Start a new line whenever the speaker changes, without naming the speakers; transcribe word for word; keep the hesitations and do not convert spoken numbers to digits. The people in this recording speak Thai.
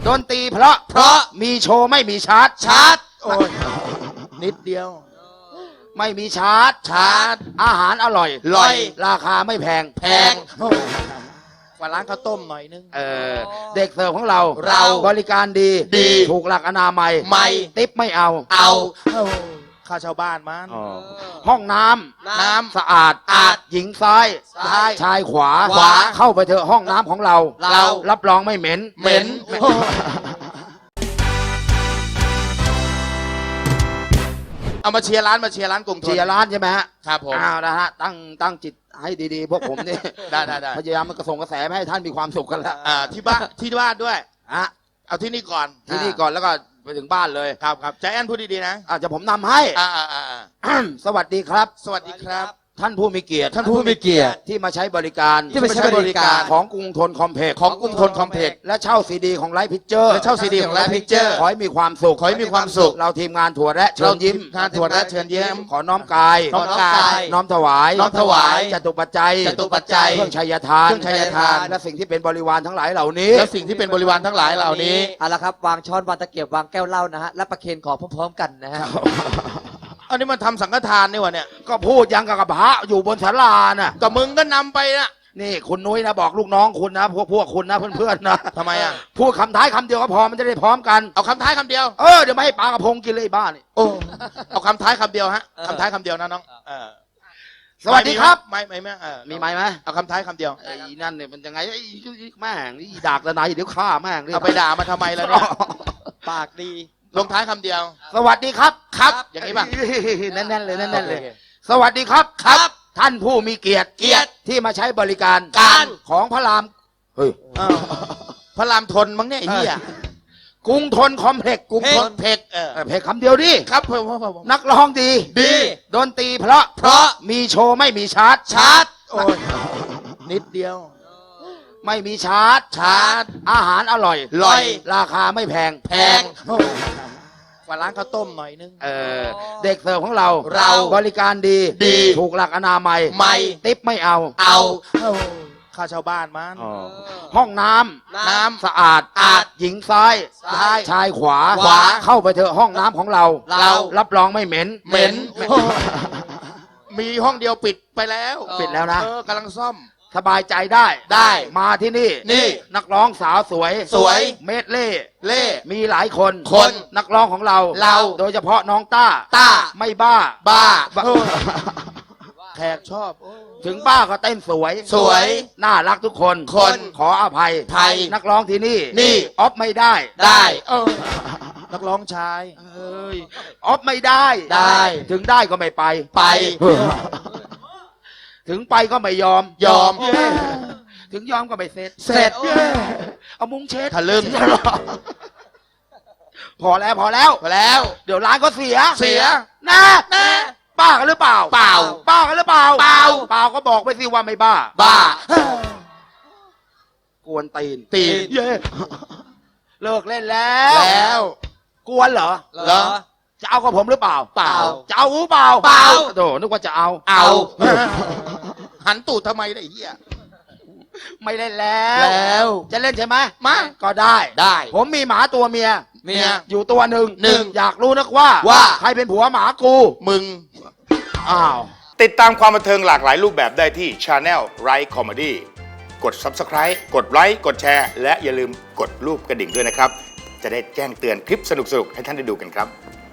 ดนตรีเพราะเพราะมีโชว์ไม่มีชาร์จชาร์จโอ้ยนิดเดียวไม่มีชาร์จชาร์จอาหารอร่อยอร่อยราคาไม่แพงแพงกว่าร้านข้าวต้มหน่อยนึงเออเด็กเสิร์ฟของเราเราบริการดีดีถูกหลักอนามัยไม่ติ๊บไม่เอาเอาค่าชาวบ้านมันห้องน้ำน้ำสะอาดอาดหญิงซ้ายซ้ายชายขวาขวาเข้าไปเถอะห้องน้ำของเราเรารับรองไม่เหม็นเหม็น
เอามาเชียร์ร้านมาเชียร์ร้านกลุ่มทน
เชียร์ร้านใช่ไหมฮะ
ครับผม
อ้าวนะฮะตั้งตั้งจิตให้ดีๆพวกผมนี่
ได้ได้ได้
พยายามมันกระส่งกระแสให้ท่านมีความสุขกันแล้ว
อ่าที่บ้านที่บ้านด้วย
ฮะ
เอาที่นี่ก่อน
ที่นี่ก่อนแล้วก็ไปถึงบ้านเลย
ครับครับใจแอนพูดดีๆนะ
อาจจะผมนำให้
อ่าอ่าอ่า
สวัสดีครับ
สวัสดีครับ
ท่านผู้มีเกียรติ
ท่านผู้มีเกียรติ
ที่มาใช้บริการ
ที่มาใช้บริการ
ของกรุงทนคอมเพล็กซ์
ของกรุงทนคอมเพล็กซ์
และเช่าซีดีของไลฟ์พิเจอร์
และเช่าซีดีของไลฟ์พิเจอร์
ขอให้มีความสุข
ขอให้มีความสุข
เราทีมงานถั่วและเชิญยิ้ม
งานถั่วและเชิญยิ้ม
ขอน้อมกาย
น้อมกาย
น้อมถวาย
น้อมถวาย
จตุปัจจัย
จตุปัจจัย
เครื่องชัยทาน
เครื่องชัยทาน
และสิ่งที่เป็นบริวารทั้งหลายเหล่านี้
และสิ่งที่เป็นบริวารทั้งหลายเหล่านี้
เอาละครับวางช้อนวางตะเกียบวางแก้วเหล้านะฮะและประเคนขอพร้อมๆกันนะฮะ
อันนี้มันทำสังฆทานนี่วะเนี่ย
ก็พูดยังกับพระอยู่บนศาลาน่ะ
ก็มึงก็นำไปนะ
นี่คุณนุ้ยนะบอกลูกน้องคุณนะพวกพวกคุณนะเพื่อนๆนะ
ทำไมอ่ะ
พูดคำท้ายคำเดียวก็พอมันจะได้พร้อมกัน
เอาคำท้ายคำเดียว
เออเดี๋ยวไม่ให้ปลากระพงกินเลยบ้านี่
โอ้เอาคำท้ายคำเดียวฮะคำท้ายคำเดียวนะน้อง
สวัสดีครับ
ไม่ไม่ไม่
มีไหมไหม
เอาคำท้ายคำเดียว
ไอ้นั่นเนี่ยมันยังไงไอ้แม่งนี่ด่าละไหนเดี๋ยวฆ่าแม่ง
เอาไปด่ามาทำไมล่ะเนี่ย
ปากดี
ลงท้ายคำเดียว
สวัสดีครับ
ครับอย่างนี้ป่ะ
แน่นๆเลยแน่นๆเลยสวัสดีครับครับท่านผู้มีเกียรติ
เกียรติ
ที่มาใช้บริการ
การ
ของพระรามเฮ้ย
พระรามทนมั้งเนี่ยไอ้เหี้ย
กรุงทนคอมเพล็กซ์
กรุงทนเพล็กซ์เออ
เพล็กซ์คำเดียวดิ
ครับผม
นักร้องดี
ดี
ดนตรีเพราะ
เพราะ
มีโชว์ไม่มีชาร์จ
ชาร์จโอ้ยนิดเดียว
ไม่มีชาร์จ
ชาร์จ
อาหารอร่อย
อร่อย
ราคาไม่แพง
แพงกว่าร้านข้าวต้มหน่อยนึง
เออเด็กเสิร์ฟของเรา
เรา
บริการดี
ดี
ถูกหลักอนามัย
ไม่
ติ๊บไม่เอา
เอาค่าชาวบ้านมัน
ห้องน้ำน้ำสะอาด
อาด
หญิงซ้าย
ซ้าย
ชายขวา
ขวา
เข้าไปเถอะห้องน้ำของเรา
เรา
รับรองไม่เหม็น
เหม็นมีห้องเดียวปิดไปแล้ว
ปิดแล้วนะ
เออกำลังซ่อม
สบายใจได้
ได้
มาที่นี่
นี่
นักร้องสาวสวย
สวย
เมดเล่
เล่
มีหลายคน
คน
นักร้องของเรา
เรา
โดยเฉพาะน้องต้า
ต้า
ไม่บ้า
บ้าแขกชอบ
ถึงบ้าก็เต้นสวย
สวย
น่ารักทุกคน
คน
ขออภัย
ไทย
นักร้องที่นี่
นี่
ออฟไม่ได้
ได้เออนักร้องชาย
เอ้ยออฟไม่ได้
ได้
ถึงได้ก็ไม่ไป
ไป
ถึงไปก็ไม่ยอม
ยอม
ถึงยอมก็ไม่เสร็จ
เสร็จ
เอามุ้งเช็ด
ทะลึ่ง
พอแล้วพอแล้ว
พอแล้ว
เดี๋ยวร้านก็เสีย
เสีย
นะนะบ้ากันหรือเปล่า
เปล่า
บ้ากันหรือเปล่า
เปล่า
เปล่าก็บอกไปสิว่าไม่บ้า
บ้า
กวนตีน
ตีน
เลิกเล่นแล้ว
แล้ว
กวนเหรอ
เหรอ
จะเอากับผมหรือเปล่า
เปล่า
จะเอาหรือเปล่า
เปล่า
โธ่นึกว่าจะเอา
เอาหันตูดทำไมไอ้เหี้ย
ไม่เล่นแล้ว
แล้ว
จะเล่นใช่ไหม
มา
ก็ได้
ได้
ผมมีหมาตัวเมีย
เมีย
อยู่ตัวหนึ่ง
หนึ่ง
อยากรู้นักว่า
ว่า
ใครเป็นผัวหมากู
มึง
อ้าว
ติดตามความบันเทิงหลากหลายรูปแบบได้ที่ Channel Right Comedy กด Subscribe กดไลค์กดแชร์และอย่าลืมกดรูปกระดิ่งด้วยนะครับจะได้แจ้งเตือนคลิปสนุกๆให้ท่านได้ดูกันครับ